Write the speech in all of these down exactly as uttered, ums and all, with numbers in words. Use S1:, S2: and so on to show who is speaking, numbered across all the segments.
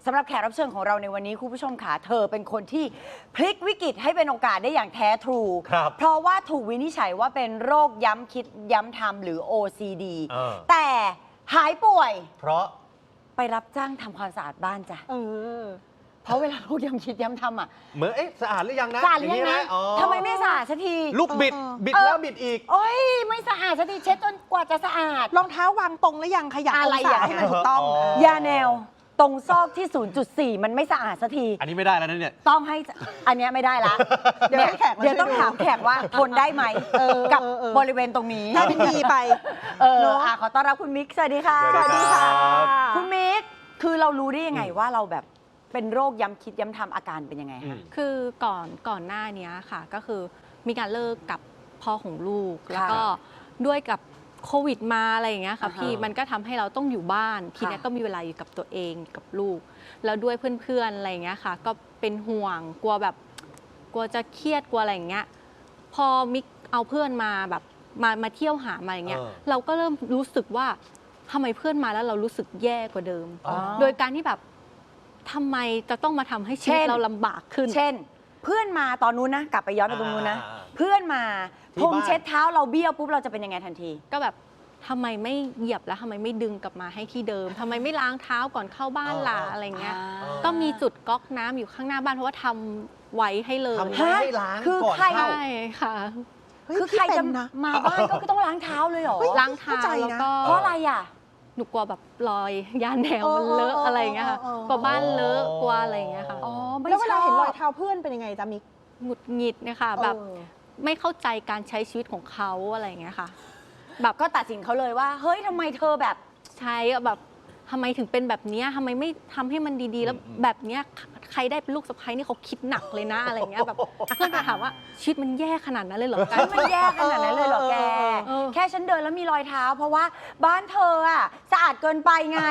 S1: ำหรับแขกรับเชิญของเราในวันนี้คุณผู้ชมค่ะเธอเป็นคนที่พลิกวิกฤตให้เป็นโอกาสได้อย่างแท้ทรูเพราะว่าถูกวินิจฉัยว่าเป็นโรคย้ำคิดย้ำทำหรือ โอ ซี ดี แต่หายป่วย
S2: เพราะ
S1: ไปรับจ้างทำความสะอาดบ้านจ้ะ
S3: เออ
S1: เพราะเวลาลูกย้ำคิดย้ำทำอ่ะ
S2: เหมือนเอ๊ะสะอาดหรือยังนะ
S1: สะอาดหรือยังนะทำไมไม่สะอาดสักที
S2: ลูกบิดบิดแล้วบิดอีก
S1: โอ้ยไม่สะอาดสักทีเช็ดจนกว่าจะสะอาด
S3: รองเท้าวางตรงหรือยังขยับองศาให้มันถูกต้อง
S1: ยาแนวตรงซอกที่ ศูนย์จุดสี่ มันไม่สะอาดสักที
S2: อันนี้ไม่ได้แล้วนะเนี่ย
S1: ต้องให้อันนี้ไม่ได้ละ
S3: เดี๋ยวแขก
S1: เดี๋ยวต้องถามแขกว่าทนได้ไหมกับบริเวณตรงนี้
S3: ได้เป็นดีไป
S1: เอออ่ะขอต้อนรับคุณมิกสวัสดีค่ะ
S2: สวัสดีค่ะ
S1: คุณมิกคือเรารู้ได้ยังไงว่าเราแบบเป็นโรคย้ำคิดย้ำทำอาการเป็นยังไงคะ
S4: คือก่อนก่อนหน้านี้ค่ะก็คือมีการเลิกกับพ่อของลูกแล้วก็ด้วยกับโควิดมาอะไรอย่างเงี้ยค่ะพี่มันก็ทำให้เราต้องอยู่บ้านทีนี้ก็มีเวลาอยู่กับตัวเองกับลูกแล้วด้วยเพื่อนๆอะไรอย่างเงี้ยค่ะก็เป็นห่วงกลัวแบบกลัวจะเครียดกลัวอะไรอย่างเงี้ยพอมิกเอาเพื่อนมาแบบมามาเที่ยวหามาอย่างเงี้ยเราก็เริ่มรู้สึกว่าทำไมเพื่อนมาแล้วเรารู้สึกแย่กว่าเดิมโดยการที่แบบทำไมจะต้องมาทำให้ชีวิตเราลำบากขึ้น
S1: เช่นเพื่อนมาตอนนู้นนะกลับไปย้อนไปตรงนู้นนะเพื่อนมาพรมเช็ดเท้าเราเบี้ยวปุ๊บเราจะเป็นยังไงทันที
S4: ก็แบบทำไมไม่เหยียบแล้วทำไมไม่ดึงกลับมาให้ที่เดิมทำไมไม่ล้างเท้าก่อนเข้าบ้านล่ะอะไรเงี้ยก็มีจุดก๊อกน้ำอยู่ข้างหน้าบ้านเพราะว่าทำไว้ให้เลย
S2: ทำให้ล้างก่อนเข้า
S4: ใช่ค่ะ
S1: คือใครจะมาบ้านก็ต้องล้างเท้าเลยเหรอ
S4: ล้างเท้าแล้วก็
S1: เพราะอะไรอ่ะ
S4: หนูกลัวแบบรอยยาแนวมันเลอะอะไรอย่างเงี้ยค่ะกลัวบ้านเลอะกลัวอะไรอย่างเงี้ยค่ะ
S3: อ๋อแล้วเวลาเห็นรอยเท้าเพื่อนเป็นยังไงจ๊ะมิก
S4: หงุดหงิดนะคะแบบไม่เข้าใจการใช้ชีวิตของเขาอะไรอย่างเงี้ยค่ะ
S1: แบบก็ตัดสินเขาเลยว่าเฮ้ยทำไมเธอแบบ
S4: ใช้แบบทำไมถึงเป็นแบบนี้ทำไมไม่ทำให้มันดีๆแล้วแบบเนี้ยใครได้เป็นลูกสะใภ้นี่เขาคิดหนักเลยนะอะไรเงี้ยแบบเพื่อนจะถามว่าชีวิตมันแย่ขนาดนั้นเลยเหรอ
S1: ชีวิตมันแย่ขนาดนั้นเลยเหรอแกแค่ฉันเดินแล้วมีรอยเท้าเพราะว่าบ้านเธออะสะอาดเกินไปไง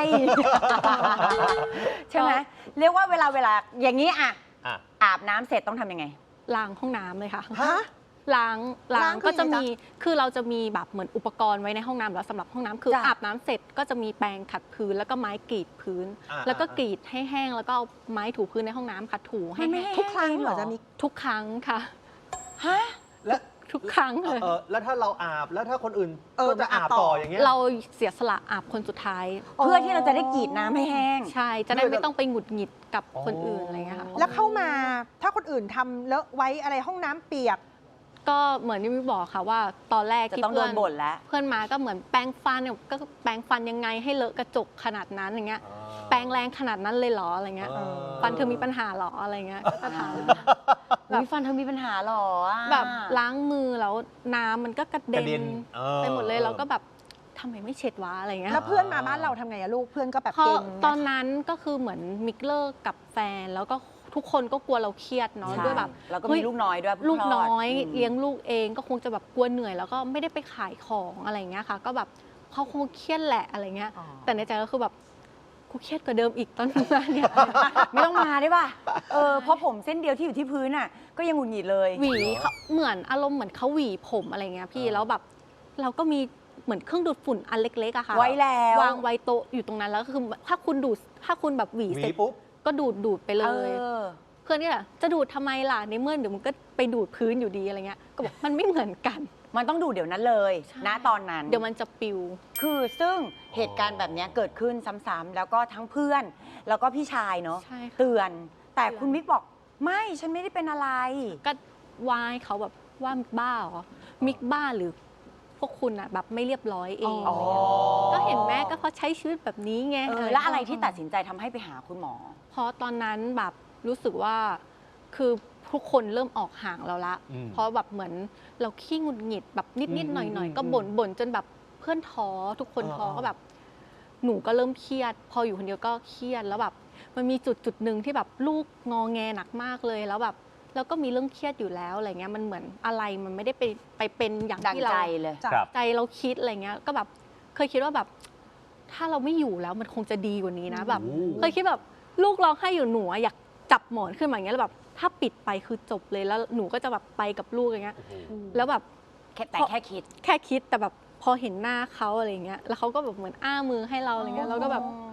S1: ใช่ไหมเรียกว่าเวลาเวลาอย่างนี้อะอาบน้ำเสร็จต้องทำยังไง
S4: ล้างห้องน้ำเลยค่ะล้างล้างก็จะมีคือเราจะมีแบบเหมือนอุปกรณ์ไว้ในห้องน้ำแล้วสำหรับห้องน้ำคืออาบน้ำเสร็จก็จะมีแปรงขัดพื้นแล้วก็ไม้กรีดพื้นแล้วก็กรีดให้แห้งแล้วก็เอาไม้ถูพื้นในห้องน้ำขัดถูให้แห้ง
S3: ทุกครั้งเหรอจะมี
S4: ทุกครั้งค่ะ
S1: ฮะ
S2: และ
S4: ทุกครั้งเลย
S2: แล้วถ้าเราอาบแล้วถ้าคนอื่นก็จะอาบต่ออย่างเงี้ย
S4: เราเสียสละอาบคนสุดท้าย
S1: เพื่อที่เราจะได้กรีดน้ำให้แห้ง
S4: ใช่จะได้ไม่ต้องไปหงุดหงิดกับคนอื่นอะไรเงี้ยค่ะ
S3: แล้วเข้ามาถ้าคนอื่นทำเลอะไว้อะไรห้องน้ำเปียก
S4: ก็เหมือนที่พี่บอกค่ะว่าตอนแรกที่
S1: เพื่อนบ่นแล้ว
S4: เพื่อนมาก็เหมือนแปรงฟันเนี่ยก็แปรงฟันยังไงให้เลอะกระจกขนาดนั้นอย่างเงี้ยแปรงแรงขนาดนั้นเลยเหรออะไรเงี้ยฟันเธอมีปัญหาหรออะไรเงี้ยก็จะถาม
S1: แบบฟันเธอมีปัญหาหรอ
S4: แบบล้างมือแล้วน้ำมันก็กระเด็นไปหมดเลยเราก็แบบทำไมไม่เช็ดวะอะไรเงี้ย
S3: แล้วเพื่อนมาบ้านเราทำไงอะลูกเพื่อนก็แบบ
S4: เก่งตอนนั้นก็คือเหมือนมิกเลอร์กับแฟนแล้วก็ทุกคนก็กลัวเราเครียดเนาะด้วยแบบ
S1: แล้วก็มีลูกน้อยด้วย
S4: ลูกน้อยเลี้ยงลูกเองก็คงจะแบบกลัวเหนื่อยแล้วก็ไม่ได้ไปขายของอะไรเงี้ยค่ะก็แบบเขาคงเครียดแหละอะไรเงี้ยแต่ในใจก็คือแบบกูเครียดกว่าเดิมอีกตอนนี้เนี่ย
S1: ไม่ต้องมาได้ป่ะเออเพราะผมเส้นเดียวที่อยู่ที่พื้นน่ะก็ยังหงุดหงิดเลย
S4: หวีเหมือนอารมณ์เหมือนเขาหวีผมอะไรเงี้ยพี่แล้วแบบเราก็มีเหมือนเครื่องดูดฝุ่นอันเล็กๆอะค่ะ
S1: ไว้แล้ว
S4: วางไว้โต๊ะอยู่ตรงนั้นแล้วก็คือถ้าคุณดูดถ้าคุณแบบหวีเสร็จก็ดูดดูดไปเลยเพื่อนก็จะดูดทำไมล่ะในเมื่อเดี๋ยวมันก็ไปดูดพื้นอยู่ดีอะไรเงี้ยก็บอกมันไม่เหมือนกัน
S1: มันต้องดูดเดี๋ยวนั้นเลยณตอนนั้น
S4: เดี๋ยวมันจะปิว
S1: คือซึ่งเหตุการณ์แบบนี้เกิดขึ้นซ้ำๆแล้วก็ทั้งเพื่อนแล้วก็พี่ชายเนาะเตือนแต่คุณมิกบอกไม่ฉันไม่ได้เป็นอะไร
S4: ก็วายเขาแบบว่ามิกบ้าเหรอมิกบ้าหรือพวกคุณอะแบบไม่เรียบร้อยเองก็เห็นแม่ก็เพราะใช้ชีวิตแบบนี้ไง
S1: แล้วอะไรที่ตัดสินใจทำให้ไปหาคุณหมอ
S4: เพราะตอนนั้นแบบรู้สึกว่าคือทุกคนเริ่มออกห่างเราละเพราะแบบเหมือนเราขี้หงุดหงิดแบบนิดๆหน่อยๆก็บ่นบ่นจนแบบเพื่อนท้อทุกคนท้อก็แบบหนูก็เริ่มเครียดพออยู่คนเดียวก็เครียดแล้วแบบมันมีจุดจุดหนึ่งที่แบบลูกงอแงหนักมากเลยแล้วแบบแล้วก็มีเรื่องเครียดอยู่แล้วอะไรเงี้ยมันเหมือนอะไรมันไม่ได้ไปไปเป็นอย่างที่เราใจเราคิดอะไรเงี้ยก็แบบเคยคิดว่าแบบถ้าเราไม่อยู่แล้วมันคงจะดีกว่านี้นะแบบเคยคิดแบบลูกร้องไห้อยู่หนูอยากจับหมอนขึ้นมาอย่างเงี้ยแล้วแบบถ้าปิดไปคือจบเลยแล้วหนูก็จะแบบไปกับลูกอย่างเงี้ยแล้วแบบ
S1: แต่แค่คิด
S4: แค่คิดแต่แบบพอเห็นหน้าเขาอะไรเงี้ยแล้วเขาก็แบบเหมือนอ้ามือให้เราอะไรเงี้ยเราก็แบบท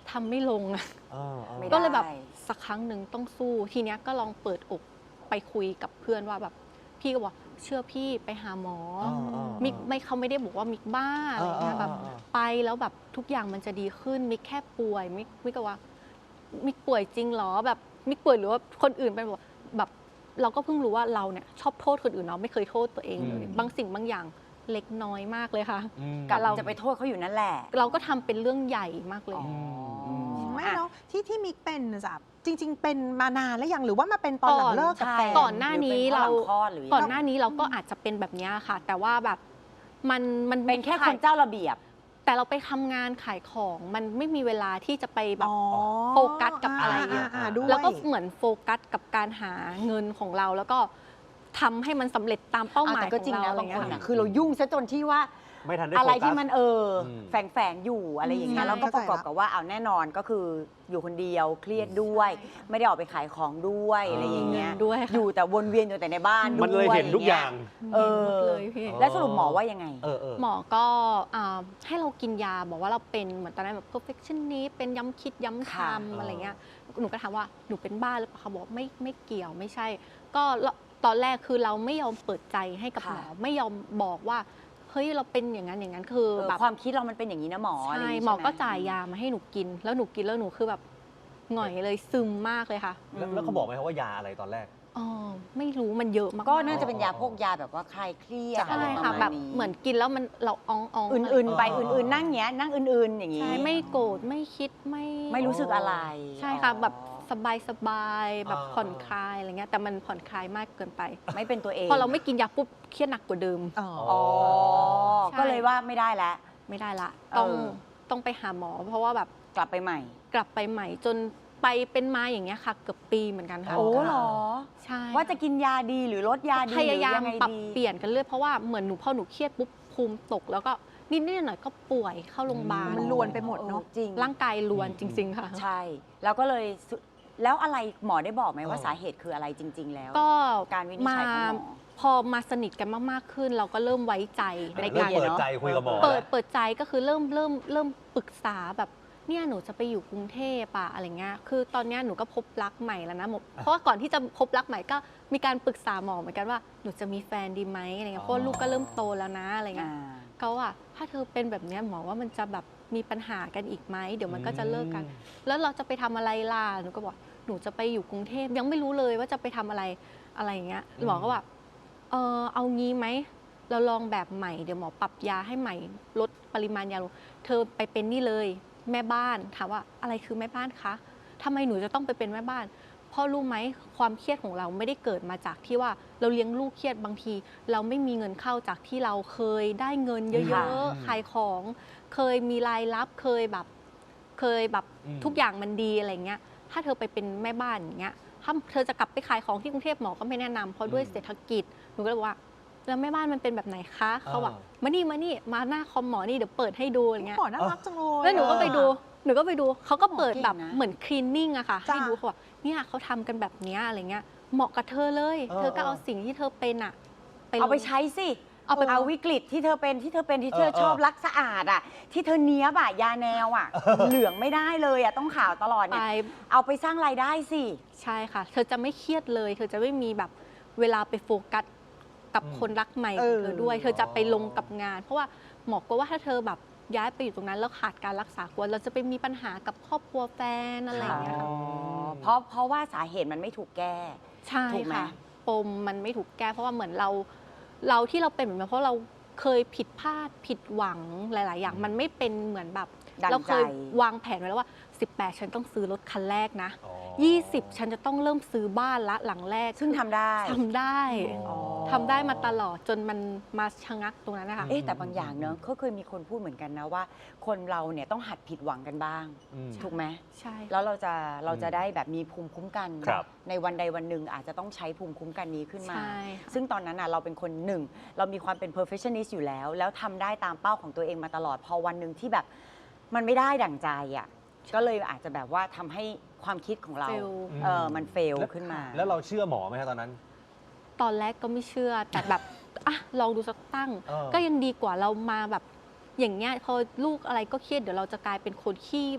S4: ทำไม่ลงอะ
S2: เออเออ
S1: ไม่ได้
S4: ก็เลยแบบสักครั้งหนึ่งต้องสู้ทีเนี้ยก็ลองเปิดอกไปคุยกับเพื่อนว่าแบบพี่ก็บอกเชื่อพี่ไปหาหมอ
S2: เออเออ
S4: มิกไม่เขาไม่ได้บอกว่ามิกบ้าอะไรเงี้ย
S2: เออเออ
S4: แบบ
S2: เออ
S4: ไปแล้วแบบทุกอย่างมันจะดีขึ้นมิกแค่ป่วยมิกมิกก็ว่ามิกป่วยจริงเหรอแบบมิกป่วยหรือว่าคนอื่นเป็นแบบแบบเราก็เพิ่งรู้ว่าเราเนี่ยชอบโทษคนอื่นเนาะไม่เคยโทษตัวเองเลย
S2: อืม
S4: บางสิ่งบางอย่างเล็กน้อยมากเลยค่ะ
S2: อืม
S1: กับ
S4: เรา
S1: จะไปโทษเขาอยู่นั่นแหละ
S4: เราก็ทำเป็นเรื่องใหญ่มากเลย
S1: อ๋อ
S3: ไม่
S1: อ่ะ
S3: เนาะที่ที่มิกเป็นน่ะจ้ะจริง ๆ เป็นมานานแล้วยังหรือว่ามาเป็นตอนหลังเลิกกับแฟน
S4: ก่อนหน้านี้
S1: หรือ
S4: เรา
S1: เป็นเพราะหลังคลอดหรือยังไง
S4: ก่อนหน้านี้เราก็อาจจะเป็นแบบเนี้ยค่ะ แต่ว่าแบบมันมัน
S1: เป็นแค่คนเจ้าระเบียบ
S4: แต่เราไปทำงานขายของมันไม่มีเวลาที่จะไปแบบ
S3: อ๋อ
S4: โฟกัสกับอะไรอย่างเงี้ย
S3: าๆๆด้วย
S4: แล้วก็เหมือนโฟกัสกับการหาเงินของเรา แล้วก็ทำให้มันสำเร็จตามเป้าหมาย
S1: แต่
S4: ข
S1: ก็
S4: อง
S1: จริง
S4: เรา
S1: นะ
S4: อะไร
S1: บาง
S4: เงี้
S1: ค
S4: ย
S1: นอ่ะ
S4: ค่ะ
S1: คือเรายุ่งซะจนที่ว่า
S2: ไม่ทันได้
S1: อะไร
S2: โฟกัส
S1: ที่มันเอออ
S2: ม
S1: แฝงแฝงๆอยู่อะไรอย่างเงี้ย
S4: ใช่
S1: แล้วก็ประกอบกับว่าเอาแน่นอนก็คืออยู่คนเดียวเครียดด้วย
S4: ใช่ค่ะ
S1: ไม่ได้ออกไปขายของด้วยอะไรอย่างเงี้ย
S4: ด้วยค่ะ
S1: อยู่แต่วนเวียนอยู่แต่ในบ้านด้วย
S2: มันเลยเห็นทุกอย่าง
S1: เอ
S4: เห็นหม
S1: อ
S4: ดเลยพี่
S1: แล้วสรุปหมอว่ายังไง
S2: เออเออ
S4: หมอก็อ่าให้เรากินยาบอกว่าเราเป็นเหมือนตอนนั้นแบบ perfectionist เป็นย้ำคิดย้ำท
S1: ค่ะ
S4: ำอะไรเงี้ยหนูก็ถามว่าหนูเป็นบ้าหรือเปล่าเขาบอกว่าไม่ไม่เกี่ยวไม่ใช่ ก็ตอนแรกคือเราไม่ยอมเปิดใจให้กับหมอไม่ยอมบอกว่าเฮ้ยเราเป็นอย่างนั้นอย่างนั้นคือ
S1: เออ
S4: แบบ
S1: ความคิดเรามันเป็นอย่างนี้นะหมออะไรอ
S4: ใช่
S1: ย่างงี้
S4: หมอ
S1: ใช่ไ
S4: ก็จ่ายยามาให้หนูกิน แล้วหนูกินแล้วหนูคือแบบหงอยเลยซึมมากเลยค่ะ
S2: แล้วแล้วเขาบอกไหมครับว่ายาอะไรตอนแรก
S4: อ๋อไม่รู้มันเยอะมากๆ
S1: ก็น่าจะเป็นยาพวกยาแบบว่าคลายเครียด
S4: ใช่
S1: อะไรประ
S4: ค่ะ
S1: มาณ
S4: แบบ
S1: นี้
S4: เหมือนกินแล้วมันเราอ่องอ่อง
S1: อื่นๆไป
S2: เออเออ
S1: อื่นๆนั่งเงี้ยนั่งอื่นๆอย่างงี้
S4: ใช่ไม่โกรธไม่คิดไม่
S1: ไม่รู้สึกอะไร
S4: ใช่ค่ะ
S1: อ๋อ
S4: แบบสบายสบายๆแบบ
S2: อ่า
S4: ผ่อนคลายอะไรเงี้ยแต่มันผ่อนคลายมากเกินไป
S1: ไม่เป็นตัวเอง
S4: พอเราไม่กินยาปุ๊บเครียดหนักกว่าเดิม
S3: อ๋อ
S1: อ๋อ
S4: ใช่
S1: ก็เลยว่าไม่ได้แล้ว
S4: ไม่ได้ละต้อง
S1: เออ
S4: ต้องไปหาหมอ เพราะว่าแบบ
S1: กลับไปใหม่
S4: กลับไปใหม่จนไปเป็นมาอย่างเงี้ยค่ะ เกือบปีเหมือนกันค่ะ
S1: โอ้เหรอ
S4: ใช่
S1: ว่าจะกินยาดีหรือลดยาดี
S4: พยายาม
S1: หรืองไง
S4: ปรับ
S1: ดี
S4: เปลี่ยนกันเรื่อยเพราะว่าเหมือนหนูพอหนูเครียดปุ๊บภูมิตก แล้วก็นิดๆหน่อยๆก็ป่วยเข้าโรงพยาบาล
S3: มันรวนไปหมดเนอะ
S1: ออจริง
S4: ร่างกายรวนจริง ๆ ค่ะ
S1: ใช่ แล้วก็เลยสุแล้วอะไรหมอได้บอกไหมว่า
S2: เออ
S1: สาเหตุคืออะไรจริง ๆ แล้ว
S4: ก็
S1: การวินิจฉัยของหมอ
S4: พอมาสนิทกันมากๆขึ้น เราก็เริ่มไว้ใจใน
S2: เริ่
S4: กาม ร
S2: เปิดใจคุยกับหมอ
S4: เปิด
S2: แล้ว
S4: เปิดใจก็คือเริ่มเริ่มเริ่มปรึกษาแบบเนี่ยหนูจะไปอยู่กรุงเทพอะอะไรเงี้ยคือตอนเนี้ยหนูก็พบรักใหม่แล้วนะหมอเพราะว่าก่อนที่จะพบรักใหม่ก็มีการปรึกษาหมอเหมือนกันว่าหนูจะมีแฟนดีไหมอะไรเงี้ยเพราะว่าลูกก็เริ่มโตแล้วนะอะไรเงี้ย
S1: อ่า
S4: เขาอะถ้าเธอเป็นแบบเนี้ยหมอว่ามันจะแบบมีปัญหากันอีกไหมเดี๋ยวมันก็จะเลิกกัน แล้วเราจะไปทำอะไรล่ะหนูก็บอกหนูจะไปอยู่กรุงเทพยังไม่รู้เลยว่าจะไปทำอะไรอะไรอย่างเงี้ยหมอก็ว่าเออเอางี้ไหมเราลองแบบใหม่เดี๋ยวหมอปรับยาให้ใหม่ลดปริมาณยาลงเธอไปเป็นนี่เลยแม่บ้านถามว่าอะไรคือแม่บ้านคะทำไมหนูจะต้องไปเป็นแม่บ้านเพราะรู้ไหมความเครียดของเราไม่ได้เกิดมาจากที่ว่าเราเลี้ยงลูกเครียดบางที เราไม่มีเงินเข้าจากที่เราเคยได้เงินเย
S1: ค่ะ
S4: อะๆขายของเคยมีรายรับเคยแบบเคยแบบ
S2: อืม
S4: ทุกอย่างมันดีอะไรเงี้ยถ้าเธอไปเป็นแม่บ้านอย่างเงี้ยถ้าเธอจะกลับไปขายของที่กรุงเทพหมอก็ไม่แนะนำเพราะด้วยเศรษฐกิจหนูก็เลยบอกว่าแล้วแม่บ้านมันเป็นแบบไหนคะเขาบอกมานี่มานี่มาหน้าคอมหมอนี่เดี๋ยวเปิดให้ดูอะไรเงี้ย
S3: หมอน่ารักจังเลย
S4: แล้วหนูก็ไปดู หนูก็ไปดู เขาก็เปิดแบบ
S1: หมอเก่งนะ
S4: เหมือนคลีนนิ่งอะค่ะ
S3: จ้ะ
S4: ให้ดูเขาบอกเนี่ยเขาทำกันแบบเนี้ยอะไรเงี้ย เหมาะกับเธอเลย
S2: เออ
S4: เธอก็เอา
S2: เออ
S4: สิ่งที่เธอเป็นอะไป
S1: เอาไป
S4: ลง
S1: ใช้สิ
S4: เอาไป
S1: เอาวิกฤตที่เธอเป็นที่เธอเป็นที่เธอ
S2: เออเออ
S1: ชอบรักสะอาดอ่ะ ที่เธอเนี้ยบอะยาแนวอ่ะ เหลืองไม่ได้เลยอ่ะต้องขาวตลอด
S4: ไป
S1: เนี่ยเอาไปสร้างรายได้สิ
S4: ใช่ค่ะ เธอจะไม่เครียดเลย เธอจะไม่มีแบบเวลาไปโฟกัสกับ
S2: อืม
S4: คนรักใหม่
S3: เอ
S4: ของ
S3: อ
S4: เธอด้วย เธอจะไปลงกับงาน เพราะว่าหมอกลัวว่าถ้าเธอแบบย้ายไปอยู่ตรงนั้นแล้วขาดการรักษากลัวเราจะไปมีปัญหากับครอบครัวแฟนอะไรอย่างเงี้ยค่ะ
S2: อ๋อ
S1: เพราะเพราะว่าสาเหตุมันไม่ถูกแก้
S4: ใช่
S1: ถูกไหม
S4: ค่ะ ปมมันไม่ถูกแก้ เพราะว่าเหมือนเรา เราที่เราเป็นแบบนั้นเพราะเราเคยผิดพลาดผิดหวังหลาย ๆ อย่าง มันไม่เป็นเหมือนแบบ
S1: ดัง
S4: เราเคยว
S1: ใจ
S4: วางแผนไว้แล้วว่า สิบแปด ฉันต้องซื้อรถคันแรกนะ
S2: อ๋อ
S4: ยี่สิบ ฉันจะต้องเริ่มซื้อบ้านละหลังแรก
S1: ซึ่งทำได้
S4: ทำได้
S2: อ๋อ
S4: ทำได้มาตลอดจนมันมาชะงักตรงนั้นนะคะ
S1: เอ๊ะแต่บางอย่างเนอะก็เคยมีคนพูดเหมือนกันนะว่า คนเราเนี่ยต้องหัดผิดหวังกันบ้าง
S2: อืม
S1: ถูกไหม
S4: ใช่
S1: แล้วเราจะเราจะได้แบบมีภูมิคุ้มกัน
S2: ครับ
S1: ในวันใดวันหนึ่งอาจจะต้องใช้ภูมิคุ้มกันนี้ขึ้นมา
S4: ใช่ค่ะ
S1: ซึ่งตอนนั้นน่ะเราเป็นคนหนึ่ง เรามีความเป็น perfectionist อยู่แล้ว แล้วทำได้ตามเป้าของตัวเองมาตลอด พอวันหนึ่งที่แบบมันไม่ได้ดั่งใจอ่ะก็เลยอาจจะแบบว่าทำให้ความคิดของเรา
S4: fail
S1: เออมันเฟลขึ้นมา
S2: แล้วเราเชื่อหมอไหมครับตอนนั้น
S4: ตอนแรกก็ไม่เชื่อ แต่แบบ อ่ะลองดูสักตั้ง
S2: เออ
S4: ก็ยังดีกว่าเรามาแบบอย่างเงี้ยพอลูกอะไรก็เครียดเดี๋ยวเราจะกลายเป็นคนขี้แบบ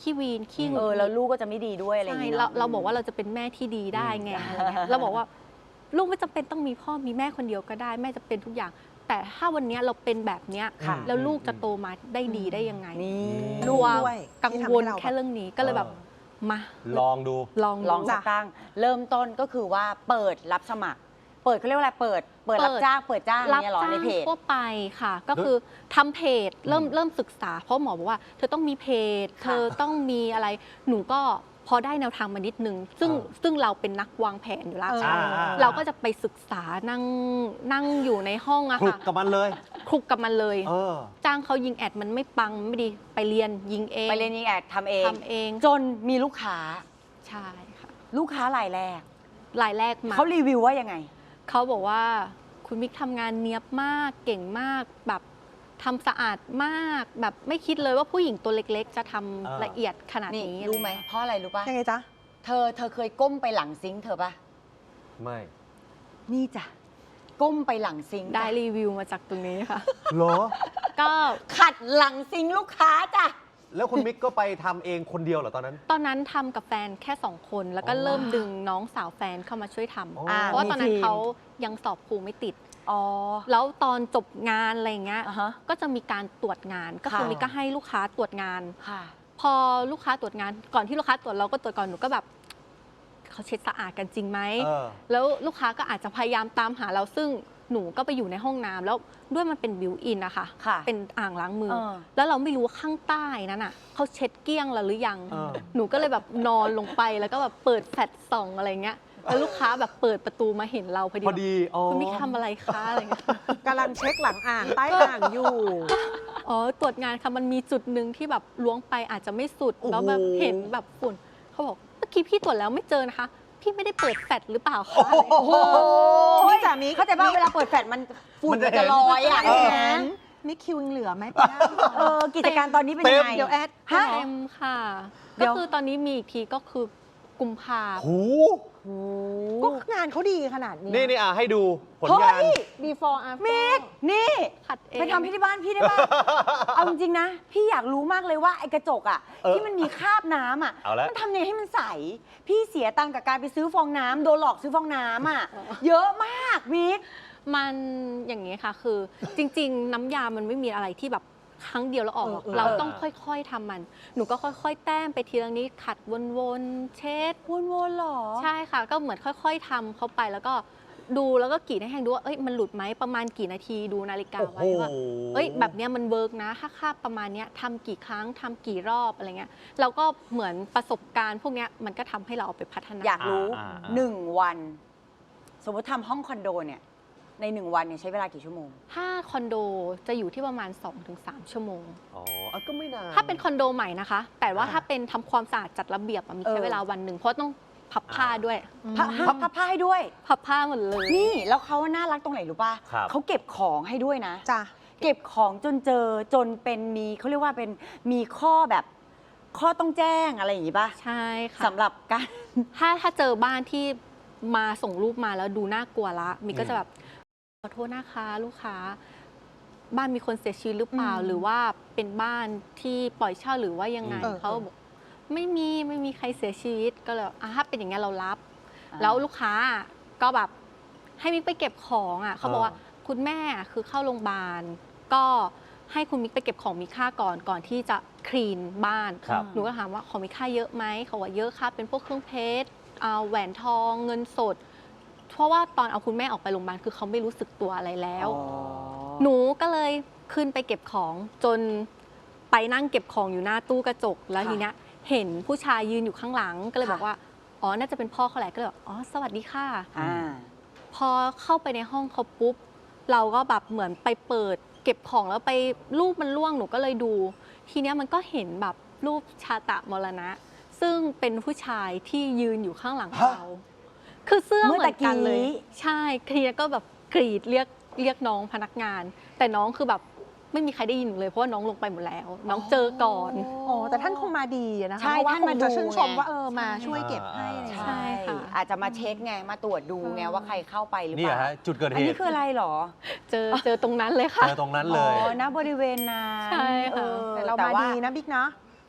S4: ขี้วีนขี้หงุด
S1: เอ
S4: ห
S1: อ
S4: งิด
S1: แล้วลูกก็จะไม่ดีด้วยอะไรอย่าง
S4: ใช่
S1: เงี้ย
S4: เรา
S1: เนาะ
S4: เราบอกว่าเราจะเป็นแม่ที่ดีได้ไงอะไรเงี้ยเราบอกว่าลูกไม่จำเป็นต้องมีพ่อมีแม่คนเดียวก็ได้แม่จะเป็นทุกอย่าง แต่ถ้าวันนี้เราเป็นแบบเนี้ย
S1: ค่ะ
S4: แล้วลูกจะโตมาได้ดีได้ยังไง
S1: นี่
S3: ลู
S4: ก
S3: ก
S4: ลัว
S3: ด้วย
S4: กัง
S3: ที่ทำ
S4: วล
S3: ให้เรา
S4: แค่เรื่องนี้ก็เลยแบบมา
S2: ลองดู
S4: ลอง
S1: ลองสักตั้งเริ่มต้นก็คือว่าเปิดรับสมัคร เปิดเขาเรียกว่าอะไรเปิด เปิดรับจ้างเปิดจ้าง
S4: รับ
S1: เนี่ยเหรอ
S4: จ้า
S1: ใน
S4: ง
S1: เพจ
S4: ทั่วไปค่ะ ก็คือทำเพจเริ่มเริ่มศึกษา เพราะหมอบอกว่าเธอต้องมีเพจ
S1: ค่ะ
S4: เธอต้องมีอะไรหนูก็พอได้แนวทางมานิดนึง ซึ่ง
S2: อ่า
S4: ซึ่งเราเป็นนักวางแผนอยู่แล้ว
S3: เออ
S2: อ่าอ่า
S4: เราก็จะไปศึกษานั่งนั่งอยู่ในห้องอะ
S2: คลุก
S4: ค่ะ
S2: กับมันเลย
S4: คลุกกับมันเลย
S2: เออ
S4: จ้างเขายิงแอดมันไม่ปังไม่ดีไปเรียนยิงเอง
S1: ไปเรียนยิงแอดทำเอง
S4: ทำเอง
S1: จนมีลูกค้า
S4: ใช่ค่ะ
S1: ลูกค้ารายแรก
S4: รายแรกมา
S1: เขารีวิวว่ายังไง
S4: เขาบอกว่าคุณมิกทำงานเนียบมากเก่งมากแบบทำสะอาดมากแบบไม่คิดเลยว่าผู้หญิงตัวเล็กๆ จะทำ
S2: อ่า
S4: ละเอียดขนาด
S1: นี่
S4: นี้
S1: รู้ไหมเพราะอะไรรู้ป่ะ
S3: ยังไงจ๊ะ
S1: เธอเธอเคยก้มไปหลังซิงค์เธอป่ะ
S2: ไม่
S1: นี่จ้ะก้มไปหลังซิงค์
S4: ได้
S1: จ้ะ
S4: รีวิวมาจากตรงนี้ค่ะ
S2: เหรอ
S4: ก็
S1: ขัดหลังซิงค์ลูกค้าจ้ะ
S2: แล้วคุณมิกก็ไปทำเองคนเดียวเหรอตอนนั้น
S4: ตอนนั้นทำกับแฟนแค่สองคน แล้วก็
S2: อ๋อ
S4: เริ่มดึงน้องสาวแฟนเข้ามาช่วยทำ
S2: อ๋อ
S4: เพราะว่าตอนนั้น
S1: มีทีม
S4: เขายังสอบครูไม่ติด
S1: อ๋อ
S4: แล้วตอนจบงานอะไรเงี้ย
S1: อ่าฮะ
S4: ก็จะมีการตรวจงาน ก็คือ
S1: ค่ะ
S4: มิกก็ให้ลูกค้าตรวจงาน
S1: ค่ะ
S4: พอลูกค้าตรวจงานก่อนที่ลูกค้าตรวจเราก็ตรวจก่อนหนูก็แบบเขาเช็ดสะอาดกันจริงไหม
S2: เออ
S4: แล้วลูกค้าก็อาจจะพยายามตามหาเราซึ่งหนูก็ไปอยู่ในห้องน้ำแล้วด้วยมันเป็นบิวอินนะคะ
S1: ค่ะ
S4: เป็นอ่างล้างมือ
S1: เออ
S4: แล้วเราไม่รู้ว่าข้างใต้นั้นอ่ะเขาเช็ดเกลี้ยงแล้วหรือยัง
S2: เออ
S4: หนูก็เลยแบบนอนลงไปแล้วก็แบบเปิดแฟลชส่องอะไรเงี้ยแล้วลูกค้าแบบเปิดประตูมาเห็นเราพอดี
S2: พอดีอ๋อ
S4: คุณมิกทำอะไรคะอะไรเงี้ย
S3: กำลังเช็คหลังอ่างใต้อ่างอยู่
S4: อ๋อตรวจงานค่ะมันมีจุดหนึ่งที่แบบล้วงไปอาจจะไม่สุด
S2: โอ้โห
S4: แล้วแบบเห็นแบบฝุ่นเขาบอกเมื่อกี้พี่ตรวจแล้วไม่เจอนะคะ พี่ไม่ได้เปิดแฟลชหรือเปล่าคะอะไรเงี้ย
S1: โอ้โห
S3: นี่จ้ะมิก
S1: เข้าใจป่ะเวลาเปิดแฟลชมันฝุ่น
S2: มัน
S1: มัน
S2: จะ
S1: จะลอยอ่ะ
S2: เออ
S1: เห็น
S3: มิกคิวยังเหลือไหมไปได้
S1: เออกิจการตอนนี้เป็นยังไง
S3: เดี๋ยวแอด
S1: ฮะ
S4: เต็มค่ะ
S1: เดี๋
S4: ก็
S1: ยว
S4: คือตอนนี้มีอีกทีก็คือกุมภา
S2: หู
S1: โอ้
S3: ก็งานเขาดีขนาดนี้
S2: นี่นี่อ่ะให้ดูผล
S1: เฮ้
S2: งาน
S1: ย
S3: before after
S1: มิกนี่
S4: ขัดเอง
S1: ไปทำที่บ้านพี่ได้ป่ะ เอาจริงๆนะ พี่อยากรู้มากเลยว่าไอ้กระจกอ่ะ
S2: เออ
S1: ที่มันมีคราบน้ำอ่ะ
S2: เอาละ
S1: มันทำยังไงให้มันใส พี่เสียตังค์กับการไปซื้อฟองน้ำโดนหลอกซื้อฟองน้ำอ่ะ เยอะมากมิก
S4: มันอย่างนี้ค่ะ คือจริง ๆ น้ำยามันไม่มีอะไรที่แบบครั้งเดียวแล้วออกหรอก
S3: เออเออ
S4: เราต้องค่อยๆทำมัน หนูก็ค่อยๆ แต้มไปทีละนิดขัดวนๆเช็ด
S1: วนๆหรอ
S4: ใช่ค่ะ ก็เหมือนค่อยๆทำเข้าไปแล้วก็ดูแล้วก็กรีดให้แห้งดูว่าเอ้ยมันหลุดไหมประมาณกี่นาทีดูนาฬิกาไว้ว่า เอ้ยแบบเนี้ยมันเวิร์กนะ ถ้าค่าประมาณเนี้ยทำกี่ครั้งทำกี่รอบอะไรเงี้ยเราก็เหมือนประสบการณ์พวกเนี้ยมันก็ทำให้เราเอาไปพัฒนา
S1: อยากรู้
S2: อ่าอ่าอ่า
S1: หนึ่งวัน สมมติทำห้องคอนโดเนี่ย ในหนึ่งวันเนี่ยใช้เวลากี่ชั่วโมง
S4: ถ้าคอนโดจะอยู่ที่ประมาณ สองถึงสาม ชั่วโมง
S2: อ๋ออ่ะก็ไม่นาน
S4: ถ้าเป็นคอนโดใหม่นะคะ แต่ว่า
S2: อ่า
S4: ถ้าเป็นทำความสะอาดจัดระเบียบอะมี
S1: เอ
S4: ใช้
S1: อ
S4: เวลาวันหนึ่งเพราะต้องพับผ้าด้วย
S1: พับพับพับผ้าให้ด้วย
S4: พับผ้าหมดเลย
S1: นี่แล้วเขาน่ารักตรงไหนรู้ป่ะ
S2: ครับ
S1: เขาเก็บของให้ด้วยนะ
S3: จ้ะ
S1: เก็บของจนเจอจนเป็นมีเขาเรียกว่าเป็นมีข้อแบบข้อต้องแจ้งอะไรอย่างงี้ป่ะ
S4: ใช่ค่ะ
S1: สำหรับการ
S4: ถ้าถ้าเจอบ้านที่มาส่งรูปมาแล้วดูน่ากลัวละมิกก็จะแบบขอโทษนะคะลูกค้า บ้านมีคนเสียชีวิตหรือเปล่า
S1: อืม
S4: หรือว่าเป็นบ้านที่ปล่อยเช่าหรือว่ายังไง
S3: เออ
S4: เขาบอกไม่มีไม่มีใครเสียชีวิตก็เลยอ่ะถ้าเป็นอย่างเงี้ยเรารับ
S1: อ่า
S4: แล้วลูกค้าก็แบบให้มิกไปเก็บของอ่ะเขาบอกว่า
S2: อ่า
S4: คุณแม่คือเข้าโรงพยาบาลก็ให้คุณมิกไปเก็บของมีค่าก่อนก่อนที่จะคลีนบ้าน
S2: ครับ
S4: หนูก็ถามว่าของมีค่าเยอะไหมเขาว่าเยอะค่ะเป็นพวกเครื่องเพชรเอาแหวนทองเงินสด เพราะว่าตอนเอาคุณแม่ออกไปโรงพยาบาลคือเขาไม่รู้สึกตัวอะไรแล้ว
S1: อ๋อ
S4: หนูก็เลยขึ้นไปเก็บของจนไปนั่งเก็บของอยู่หน้าตู้กระจกแล้ว
S1: ค่ะ
S4: ทีเนี้ยเห็นผู้ชายยืนอยู่ข้างหลังก็เลย
S1: ค่ะ
S4: บอกว่าอ๋อน่าจะเป็นพ่อเขาแหละก็เลยบอกอ๋อสวัสดีค่ะ
S1: อ่า
S4: พอเข้าไปในห้องเขาปุ๊บเราก็แบบเหมือนไปเปิด เก็บของแล้วไปรูปมันร่วงหนูก็เลยดู ทีเนี้ยมันก็เห็นแบบรูปชาตะมรณะ ซึ่งเป็นผู้ชายที่ยืนอยู่ข้างหลังเรา คือเสื้อ
S1: เมื่
S4: เห
S1: อ
S4: มือนกันเลย
S1: ตะกี้
S4: ใช่ทีนี้ก็แบบกรีดเรียกเรียกน้องพนักงาน แต่น้องคือแบบไม่มีใครได้ยินเลยเพราะว่าน้องลงไปหมดแล้ว น้องเจอก่อน
S3: อ๋อแต่ท่านคงมาดีอะนะคะ
S1: ใช่
S3: เพราะว่า
S1: ท่าน
S3: ค
S1: มาง
S3: จะ
S1: ดู
S3: ชื่นชม
S1: ไง
S3: ว่าเออมาช่วยเก็บให้อะไรอย่าง
S4: ใช่
S3: เงี้ย
S4: ค่ะ
S1: อาจจะมาเช็คไงมาตรวจดูไงว่าใครเข้าไปหรือ
S2: นี่
S1: เป
S2: เหรอ
S1: ล่า
S2: ฮะจุดเกิด
S1: อั
S2: เห
S1: นนี้
S2: ตุ
S1: คืออะไรหรอ
S4: เจอเจอตรงนั้นเลยค่ะ
S2: เจอตรงนั้นเลย
S1: อ๋อณบริเวณนั้น
S4: ใช่ค่ะ
S1: ออ
S3: แต่เรา
S1: แต่
S3: มา
S1: ว่า
S3: ดีนะบิ๊กนะ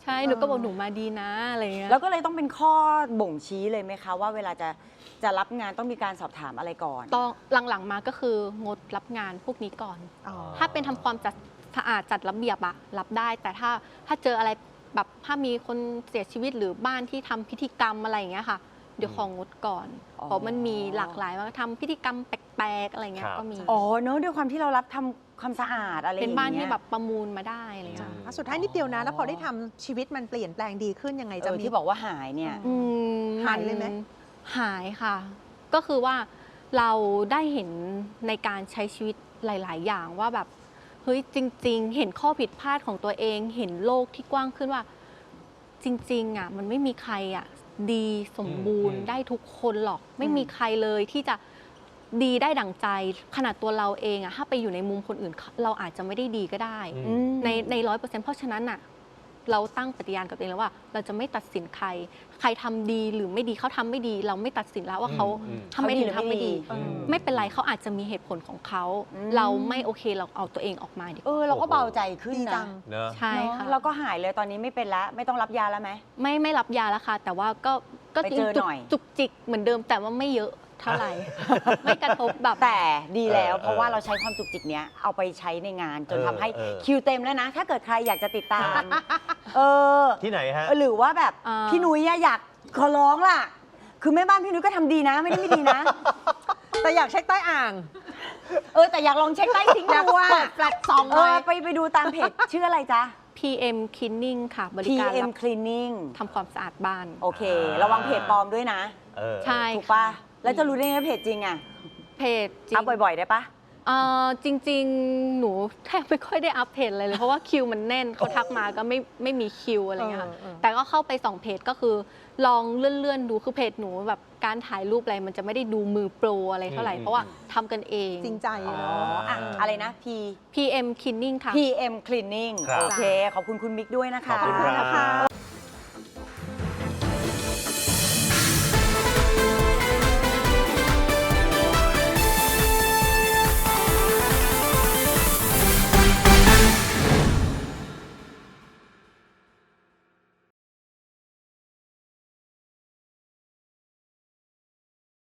S4: ใช่หนูก็บอกหนูมาดีนะอะไรเงี้ย
S1: แล้วก็เลยต้องเป็นข้อบ่งชี้เลยไหมคะ ว่าเวลาจะจะรับงานต้องมีการสอบถามอะไรก่อน
S4: ต้องหลังๆมาก็คืองดรับงานพวกนี้ก่อน
S3: อ๋อ
S4: ถ้าเป็นทำความจัดสะอาดจัดระเบียบอะรับได้ แต่ถ้าถ้าเจออะไรแบบถ้ามีคนเสียชีวิตหรือบ้านที่ทำพิธีกรรมอะไรอย่างเงี้ยค่ะ เดี๋ยวของงดก่อน
S1: อ๋อ
S4: เพราะมันมีหลากหลายว่าทำพิธีกรรมแปลกๆอะไรเงี้ย
S2: ครับ
S4: ก็มี
S1: อ๋อเนอะด้วยความที่เรารับทำความสะอาดอะไรอย่าง
S4: เป็น
S1: เงี้ย
S4: บ้านที่แบบประมูลมาได้อะไรเงี้ย
S3: อ่ะสุดท้ายนิดเดียวนะ แล้วพอได้ทำชีวิตมันเปลี่ยนแปลงดีขึ้นยังไง
S1: เอ
S3: จะ
S1: อ
S3: มี
S1: ที่บอกว่าหายเนี่ย
S4: อืม
S3: หายเลยไหม
S4: หายค่ะ ก็คือว่าเราได้เห็นในการใช้ชีวิตหลาย ๆ อย่างว่าแบบเฮ้ยจริง ๆ เห็นข้อผิดพลาดของตัวเอง เห็นโลกที่กว้างขึ้นว่า จริง ๆ อ่ะ มันไม่มีใครอ่ะดีสมบูรณ์
S2: อืม
S4: ได้ทุกคนหรอก ไม่มีใครเลยที่จะดีได้ดั่งใจ ขนาดตัวเราเองอ่ะถ้าไปอยู่ในมุมคนอื่น เราอาจจะไม่ได้ดีก็ได้
S2: อื
S1: อืม
S4: ในในร้อยเปอร์เซ็นต์เพราะฉะนั้นน่ะเราตั้งปฏิญาณกับตัวเองแล้วว่า เราจะไม่ตัดสินใคร ใครทำดีหรือไม่ดีเขาทำไม่ดี เราไม่ตัดสินแล้วว่าเขา
S2: อืม
S4: ทำไม่ดีหรือทำไม่ดี
S1: อืม
S4: ไม่เป็นไรเขาอาจจะมีเหตุผลของเขา
S1: อืม
S4: เราไม่โอเคเราเอาตัวเองออกมาดีก
S1: เอ
S4: ว่า
S1: อเราก็เบาใจขึ้น
S3: ดีจั
S1: นะ
S3: ง
S2: เนอะ
S4: ใช่
S1: เนอะ
S4: ค่ะ
S1: เราก็หายเลยตอนนี้ไม่เป็นแล้วไม่ต้องรับยาแล้วไหม
S4: ไม่ไม่รับยาแล้วค่ะ แต่ว่าก็ก็
S1: ไปเจอ
S4: จุก
S1: หน่อย
S4: จุกจิกเหมือนเดิมแต่ว่าไม่เยอะเท่า ไหร่ ไม่กระทบแบบ
S1: แต่ดีแล้ว
S2: เออ
S1: เพราะว่าเราใช้ความจุกจิกเนี้ยเอาไปใช้ในงานจน
S2: เออ
S1: ทำให้
S2: เออ
S1: คิวเต็มแล้วนะ ถ้าเกิดใครอยากจะติดตาม เออ
S2: ที่ไหนฮะ
S1: หรือว่าแบบ
S4: อ่า
S1: พี่นุ้ยอะอยากขอร้องล่ะ คือแม่บ้านพี่นุ้ยก็ทำดีนะ ไม่ได้ไม่ดีนะ
S3: แต่อยากเช็คใต้อ่าง
S1: เออแต่อยากลองเช็คใต้ซิงค์
S3: อยาก
S1: ดูว่า
S3: เปิดแฟลชซอง
S1: เอ
S3: เล
S1: อย ไปไปดูตามเพจชื่ออะไรจ๊ะ
S4: พี เอ็ม Cleaning ค่ะ บริการ
S1: พี เอ็ม
S4: รับ
S1: Cleaning
S4: ทำความสะอาดบ้าน
S1: โอเค
S2: อ่า
S1: ระวังเพจปลอมด้วยนะ
S2: เออ
S4: ใช่
S1: ถูกปะแล้วจะรู้ได้ไงว่าเพจจริงอะ
S4: เพจจริง
S1: อัพบ่อยๆได้ปะ
S4: เอ่อจริง ๆ หนูแทบไม่ค่อยได้อัปเพจอะไรเลย เพราะว่าคิวมันแน่นเขาทักมาก็ไม่ไม่มีคิวอะไรเงี้ยค่ะ
S3: เออเออ
S4: แต่ก็เข้าไปสองเพจก็คือ ลองเลื่อน ๆ ดูคือเพจหนูแบบการถ่ายรูปอะไรมันจะไม่ได้ดูมือโปรอะไรเท่าไหร่
S2: อืม
S4: เพราะว่าทำกันเอง
S3: จริงใจ
S1: อ๋อ
S3: เนาะ
S1: อะอะไรนะ P
S4: พี เอ็ม Cleaning ค่ะ
S1: พี เอ็ม Cleaning
S2: ครับ
S1: โอเค ขอบคุณคุณมิกด้วยนะคะ
S2: ขอบคุณครับ
S3: นะคะ